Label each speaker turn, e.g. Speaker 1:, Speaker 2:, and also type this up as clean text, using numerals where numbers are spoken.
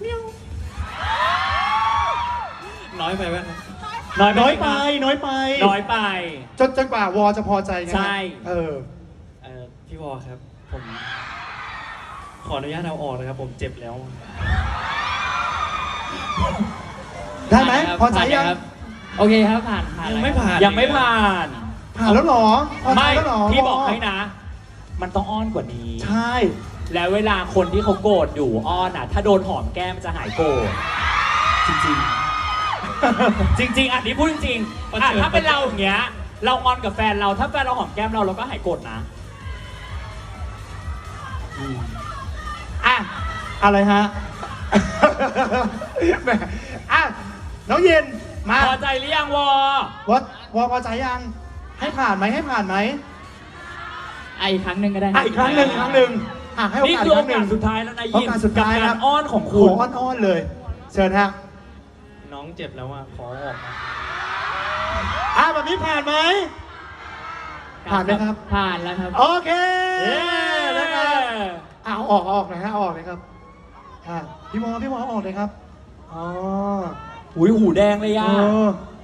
Speaker 1: น้อยไปไหม
Speaker 2: น้อย
Speaker 3: น้อย
Speaker 2: ไป
Speaker 3: ไปน้อยไป
Speaker 2: น้อยไป
Speaker 3: จนกว่าวอจะพอใจนะ
Speaker 2: ใช่
Speaker 1: พี่วอครับผมขออนุญาตเอาออกนะครับผมเจ็บแล้ว
Speaker 3: ได้ไหม
Speaker 1: ผ่านครับ
Speaker 3: พอใจยัง
Speaker 1: ผ่านครับโอเคครับผ่านยังไม่ผ่าน
Speaker 2: ยังไม่ผ่าน
Speaker 3: ผ่านแล้วเหรอพอใจ
Speaker 2: ไม่
Speaker 3: แล้วเหรอ
Speaker 2: พี่บอกให้นะ มันต้องอ้อนกว่านี้
Speaker 3: ใช่
Speaker 2: แล้วเวลาคนที่เขาโกรธอยู่อ้อนอ่ะ ถ้าโดนหอมแก้มจะหายโกรธจริงๆ จริง ๆ อันนี้พูดจริงๆอ่ะถ้าเป็นเราอย่างเงี้ย เรางอนกับแฟนเราถ้าแฟนเราหอมแก้มเราก็หายโกรธนะ
Speaker 3: อ่ะอะไรฮะ แหมอ่ะน้องเย็นมา
Speaker 2: พอใจหรือยังวอ
Speaker 3: วอพอใจยังให้ผ่านไหมให้ผ่านไหม
Speaker 1: อีกครั้งหนึ่งก็ได้
Speaker 3: อ่ะอีกครั้งหนึ่งอ่ะให้โอ
Speaker 2: นี่
Speaker 3: กาส
Speaker 2: คื
Speaker 3: อี
Speaker 2: อก
Speaker 3: ค
Speaker 2: โอ
Speaker 3: รั้งหนึ่
Speaker 2: กาง สสุดท้ายแล้วนะ
Speaker 3: โอ
Speaker 2: ยิ้ม
Speaker 3: กาสสุดท้าย
Speaker 2: กับ
Speaker 3: ครั
Speaker 2: กา
Speaker 3: บ
Speaker 2: รอ้อนของ
Speaker 3: โห
Speaker 2: คุณ
Speaker 3: อ้อนๆเลย เชิญฮะ
Speaker 1: น้องเจ็บแล้วอ่ะขอออกมา
Speaker 3: แบบนี้ผ่านไหม ผ่านไหมครับ
Speaker 1: ผ่านแล้วครับ
Speaker 3: โอเค
Speaker 2: เย้
Speaker 3: นะครับเอาออกหน่อยฮะเอาออกเลยครับพี่วอเอาออกเลยครับอ๋อ
Speaker 2: หุยหูแดงเลย
Speaker 3: เอ
Speaker 2: อ่ะ
Speaker 3: อ